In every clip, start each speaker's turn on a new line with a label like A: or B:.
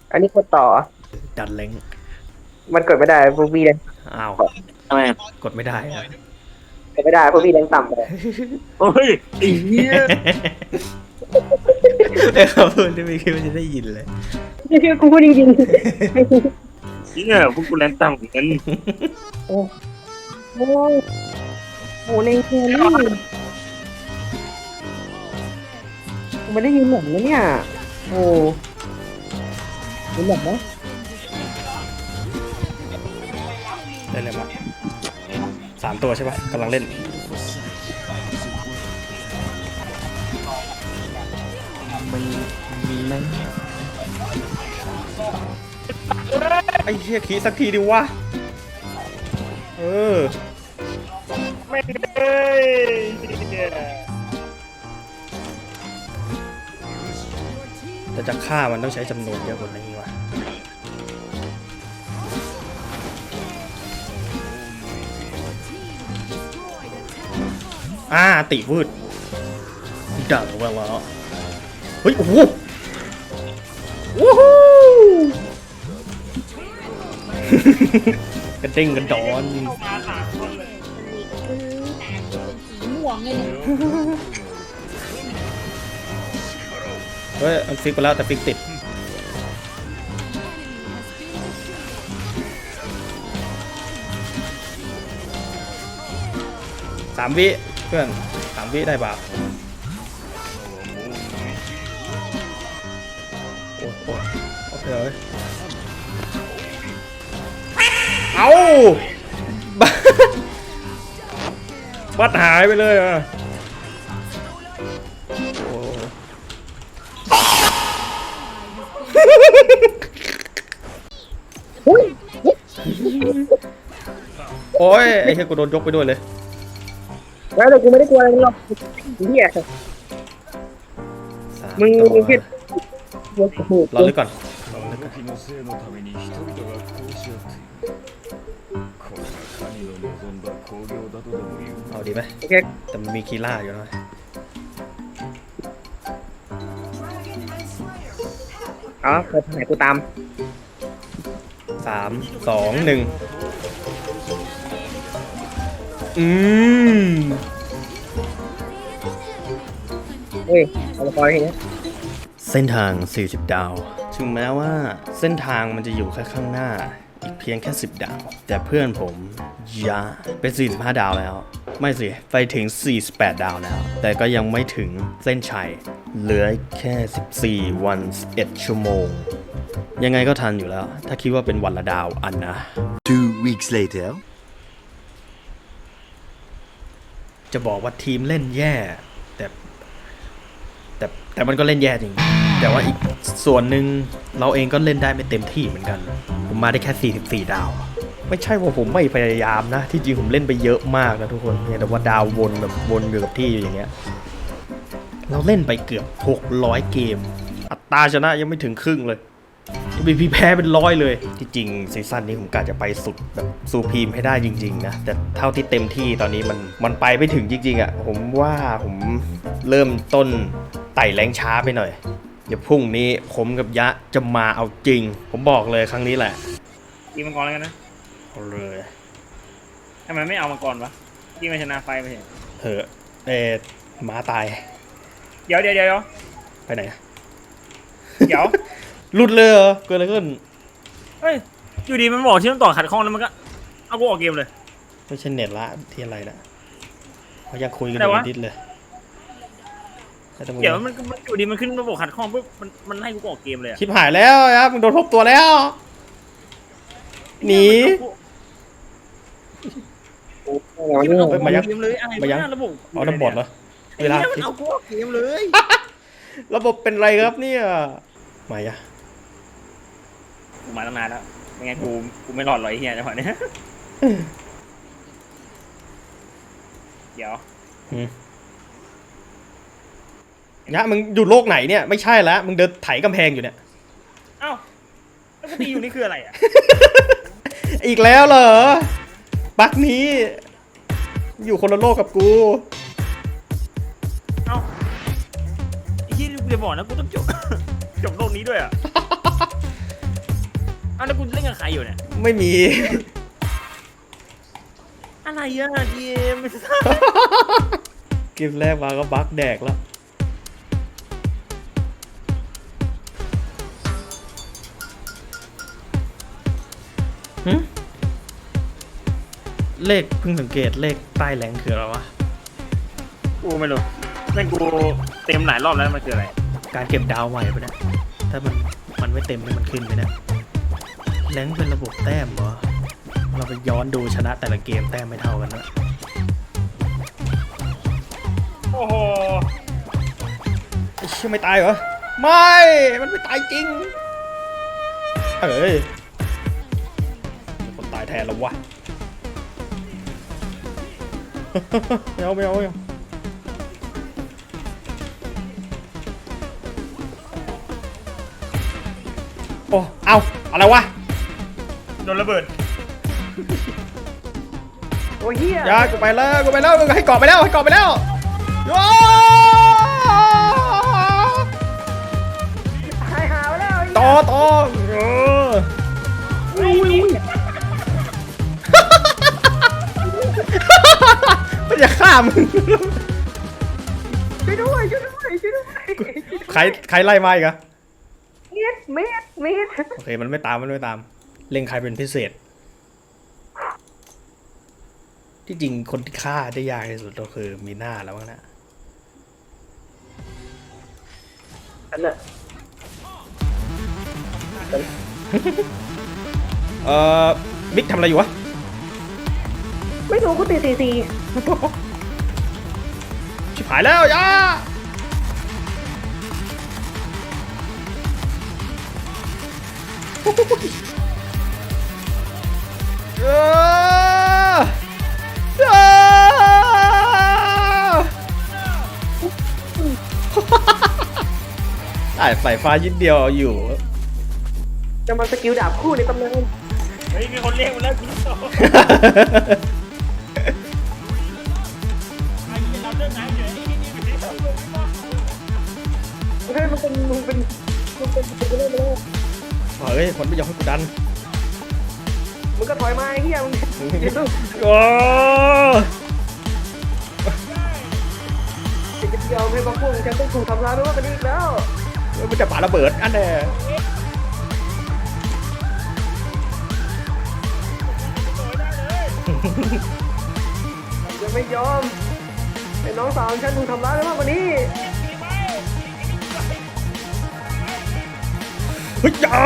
A: อันนี้กดต่อ
B: ดันเล้ง
A: มันกดไม่ได้พวกพี่แรง
B: อ้าว
C: ทำไม
B: กดไม่ได้อะ
A: กดไม่ได้พวกพี่แรงต่ำเลย
C: โอ้ยไอ้เหี้ย
B: ไอ้เขาพูดที่ไม่คิดว่าจะได้ยินเลย
A: นี่คือกูพูดจริง
C: เนี่ยพวกกูแรงต่ำเหมือนกัน
A: ๆโอ้โหโหในแครี่กูไม่ได้ยินหนังนะเนี่ยโอ้ยินหนังนะ
B: ได้เลยมา3 ตัวใช่ปะกำลังเล่นมีไหมไอ้เหี้ยขี้สักทีดิวะ
C: ไม่เลย
B: แต่จะฆ่ามันต้องใช้จำนวนเยอะกว่านี้วะติวืดดังเวลาเฮ้ยโอ้โหวู้ฮู้กระเด้งกระดอน
D: ม่วงไงเนี่ย
B: เฮ้ยมันฟิกไปแล้วแต่ฟิกติด3 วิเพื่อน3 วิได้บาปโอ้โหโอเคเลยเอาบัดหายไปเลยอ่ะโอ้ยไอ้เหี้ยกูโดนยกไปด้วยเลย
A: แล้วแต่กูไม่ได้กลัวอะไรหรอกเหี้ยมึงคิด
B: รอเลยก่อนเอาดีไหม
A: โอเค
B: แต่มันมีคีล่าอยู่นะ
A: อ๋อเปิดทางไหนกูตาม
B: 3 2 1
A: เฮ้ยเอาละครอย่างเงี้ย
B: เส้นทาง40 ดาวถึงแม้ว่าเส้นทางมันจะอยู่แค่ข้างหน้าอีกเพียงแค่10 ดาวแต่เพื่อนผมยะเป็น45 ดาวแล้วไม่สิไปถึง48 ดาวแล้วแต่ก็ยังไม่ถึงเส้นชัยเหลือแค่14 วัน11 ชั่วโมงยังไงก็ทันอยู่แล้วถ้าคิดว่าเป็นวันละดาวอันนะ
E: 2 weeks later
B: จะบอกว่าทีมเล่นแย่แต่มันก็เล่นแย่จริงแต่ว่าอีกส่วนหนึ่งเราเองก็เล่นได้ไม่เต็มที่เหมือนกันผมมาได้แค่44 ดาวไม่ใช่ว่าผมไม่พยายามนะที่จริงผมเล่นไปเยอะมากนะทุกคนแต่ว่าดาววนแบบวนอยู่กับที่อย่างเงี้ยเราเล่นไปเกือบ600 เกมอัตราชนะยังไม่ถึงครึ่งเลยมีแพ้เป็น100เลยที่จริงซีซั่นนี้ผมกะจะไปสุดแบบซูพรีมให้ได้จริงๆนะแต่เท่าที่เต็มที่ตอนนี้มันไปไม่ถึงจริงๆอ่ะผมว่าผมเริ่มต้นไต่แรงช้าไปหน่อยเดี๋ยวพรุ่งนี้ผมกับยะจะมาเอาจริงผมบอกเลยครั้งนี้แหละ
C: ยิงมังกรแล้วกันนะ
B: เอาเลย
C: ทำไมไม่เอามังกรวะยิงมาชนะไฟไปเห็น
B: เหอะหมาตาย
C: เดี๋ยว
B: ไปไหน
C: เดี๋ยว
B: หลุดเลยเหรอเกิดอะไรขึ้น
C: เฮ้ยอยู่ดีมันบอกที่ต้องต่อขัดข้องแล้วมันก็เอากูออกเกมเลย
B: ไม่ใช่เน็ตละที่อะไรนะเขายังคุยกันอยู่ดิสเลย
C: เดี๋ยวมันอยู่ดีมันขึ้นระบบขัดข้องปุ๊บมันไล่กูออกเกมเลย
B: ชิบหายแล้วครับมึงโดนทบตัวแล้วหนี
C: มายังเลยมายังระบบ
B: เอาน้ำบดเหรอเวลา
C: มันเอากูออกเกมเลย
B: ระบบเป็นไรครับเนี่ยมาอะ
C: กูมาตั้งนานแล้วไม่งั้นกูไม่รอดหรอกไอ้เหี้ยจังหวะนี้เดี๋ยวย
B: ะมึงอยู่โลกไหนเนี่ยไม่ใช่แล้วมึงเดินไถกำแพงอยู่เนี่ย
C: เอ้าแล้วกูตีอยู่นี่คืออะไรอ่ะ
B: อีกแล้วเหรอบั๊กนี้อยู่คนละโลกกับกู
C: เอ้าไอ้ที่กูจะบอกนะกูต้องจบโลกนี้ด้วยอ่ะอ้าวแล้วกูเล่นกับใครอยู่เนี่ย
B: ไม่มี
C: อะไรอ่ะเกม
B: เกมแรกมาก็บั๊กแดกแล้วหึเลขเพิ่งสังเกตเลขใต้แรงคืออะไรวะ
C: กูไม่รู้แม่งกูเต็มหลายรอบแล้วมันคืออะไร
B: การเก็บดาวใหม่ปะเนี่ยถ้ามันไม่เต็มนี่มันขึ้นไหมเนี่ยแรงเป็นระบบแต้มเหรอเราไปย้อนดูชนะแต่ละเกมแต้มไม่เท่ากันนะ
C: โอ้โห
B: ไอ้เชี่ยไม่ตายเหรอไม่ มันไม่ตายจริงเอ้ยคนตายแทนแล้ววะ ไม่เอาโอ้เอาอะไรวะ
C: โดนระเบิด
A: โอ้ยเฮีย
B: ยากูไปแล้วให้เกาะไปแล้วโอ้
A: หายหาไปแล้ว
B: ต่อมันจะฆ่ามึง
A: ช่วยด้วย
B: ใครไล่มาอีกอะ
A: เม็ด
B: โอเคมันไม่ตามเล็งใครเป็นพิเศษ ที่จริงคนที่ฆ่าได้ยากที่สุดก็คือมีหน้าแล้วมั้งนะ
A: อันน่ะ
B: บิ๊กทำอะไรอยู่วะ
A: ไม่รู้กูตี
B: ชิบหายแล้วยาใส่ฟ้ายิดเดียวเอาอยู่
A: จะมาสกิลดาบคู่ในตำนาน
C: เฮ้ยมีคนเรียกมาแล้วคุณโตไอ้ที่เราเรื่องไหนอยู่ไอ้นี่อยู่ที่เราเรื่องบ้าง
A: เฮ้ยมันเป็นเรื่องไปแล้ว
B: เฮ้ยคนไม่ยอมให้กูดัน
A: มึงก็ถอยมาไอ้เหี้ยมึง
B: โอ้
A: จะยอมให้พวกมึงฉันต้องถูกทำร้ายไม่ว่ากันอีกแล้ว
B: มันจะปาระเบิดอันแน่
A: จะไม่ยอมไอ้น้องสาวของฉันถูกทำร้ายไม่ว่ากันนี้
B: เฮ้ยจ้า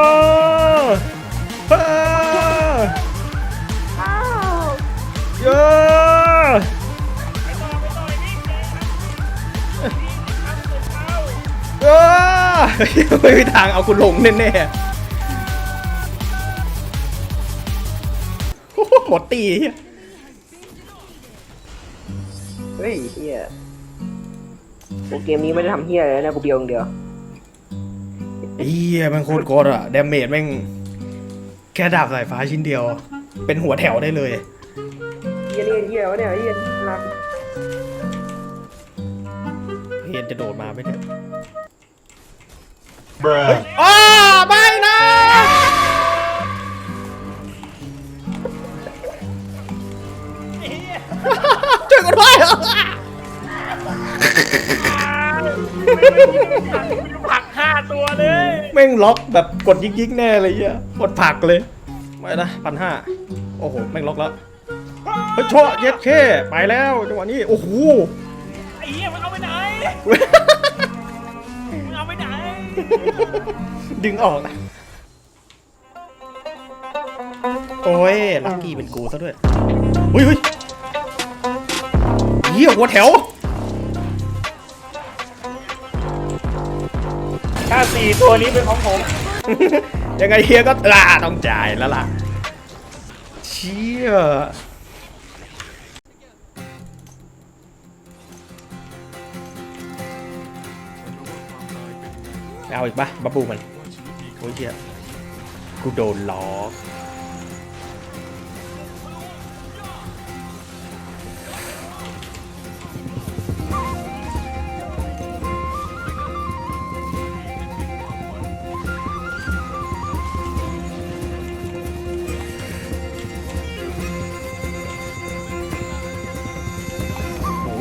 A: อ้าว
B: เยอะไม่มีทางเอาคุณลงแน่ๆหมดตี
A: เฮ้ยเหี้ยโอ้เกมนี้ไม่ได้ทำเหี้ยเลยนะกูเบียวอย่างเดียว
B: เฮียมันโคตรโกดอะดาเมจแม่งแค่ดาบสายฟ้าชิ้นเดียว เป็นหัวแถวได้เลย
A: เหี้ยนี่เหี้ยวะเนี่ยเหี้ยรัก
B: เฮียนจะโดดมาไหมเนี่ยอ้าไม่นะช่วยกูด้วย
C: ผัก5 ตัวเลย
B: แม่งล็อกแบบกดยิกๆแน่เลยเฮียกดผลักเลยไม่นะ1,500โอ้โหแม่งล็อกแล้วเฮ้ยชั่วเย็ดเข้ไปแล้วจังหวะนี้โอ้โห
C: ไอ้เหี้ยมันเอาไปไหนมันเอาไปไหน
B: ดึงออกนะโอ้ยลักกี้เป็นกูซะด้วยเฮ้ยเฮียหัวแถว
C: ถ้า4 ตัวนี้เป็นของผม
B: ยังไงเฮียก็ต้องจ่ายแล้วล่ะเชี่ยเอาอีกปะบับบูมันโอ้ยเฮียกูโดนล้อก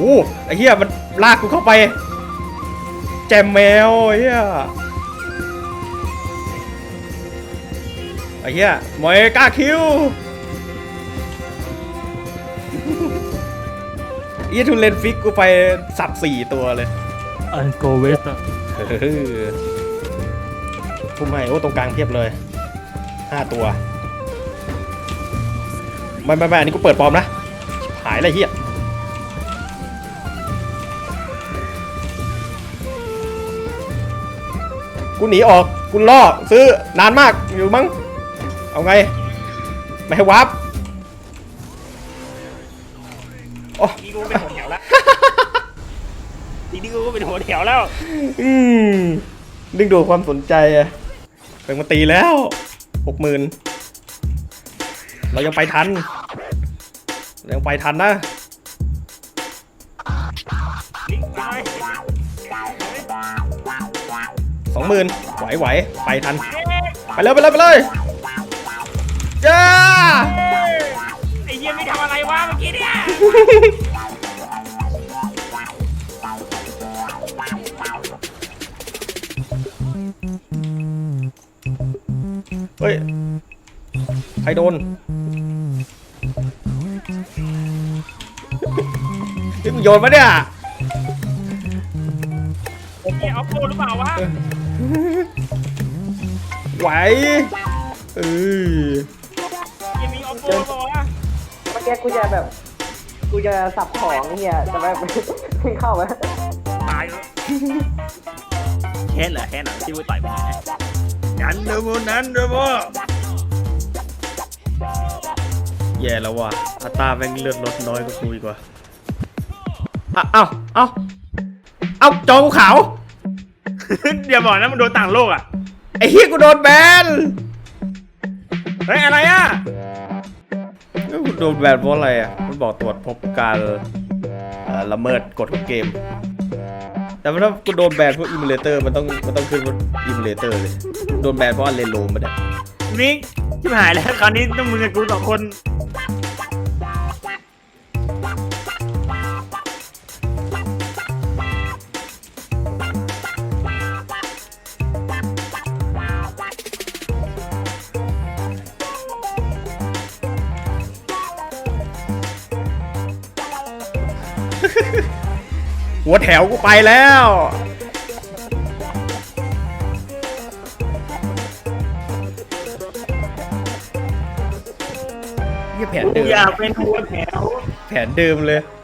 B: ไอ้เหี้ยมันลากกูเข้าไปแจมแมวไอ้เหี้ยมอยกล้าคิวไอ้เหี้ยทุเรนฟิกกูไปสับ4ตัวเลย
F: อันโกเวสต์
B: พุ่มให้โอ้ตรงกลางเทียบเลย5ตัวไม่อันนี้กูเปิดปลอมนะหายอะไรเหี้ยกูหนีออกกูล่อซื้อนานมากอยู่มั้งเอาไงไม่ให้วาร์ปโอ้
C: นี่กูเป็นหัวแถวแล้วนี่กูก็เป็นหัวแถวแล้ว
B: ดึงดูดความสนใจอะเป็นมาตีแล้ว60,000เรายังไปทันนะ20,000ไหวไปทันไปเลยจ้า
C: ไอ้เหี้ยไม่ทำอะไรวะเมื่อกี้เนี่ย
B: เฮ้ยใครโดนนี่มึงโยนปะเนี่ย
C: ไอ้เหี้ยเอาโปหรือเปล่าวะ
B: ไหวเออ
C: ยังมีเอาโปหรือเปล่าวะ
A: เมื่อกี้กูจะสับของไอ้เฮียจะแบบ ไม่เข้าไหม
C: ตายเลยแค่เหรอที่กูต่อยไปเนี่ยนั้นเดโม
B: แย่แล้วว่ะอัตราแม่งเลือดลดน้อยกว่ากูอีกว่าเอ้าจอกูขาว
C: เดี๋ยวบอกนะมันโดนต่างโลกอ่ะ
B: ไอ้เฮียกูโดนแบน
C: เฮ้ยอะไรอ่ะ
B: กูโดนแบนเพราะอะไรอ่ะมันบอกตรวจพบการละเมิดกฎของเกมแต่ถ้ากูโดนแบนเพราะอิมูเลเตอร์มันต้องขึ้นว่าอิมูเลเตอร์เลยโดนแบนเพราะเลนโลมาเนี่ย
C: มิกชิบหายแล้วคราวนี้ต้องมึงกับกู2 คน
B: หัวแถวกูไปแล้วเหี้ยแผน
C: กู
B: เดิม
C: อยากเป็นหัวแถว
B: แผนเดิมเลย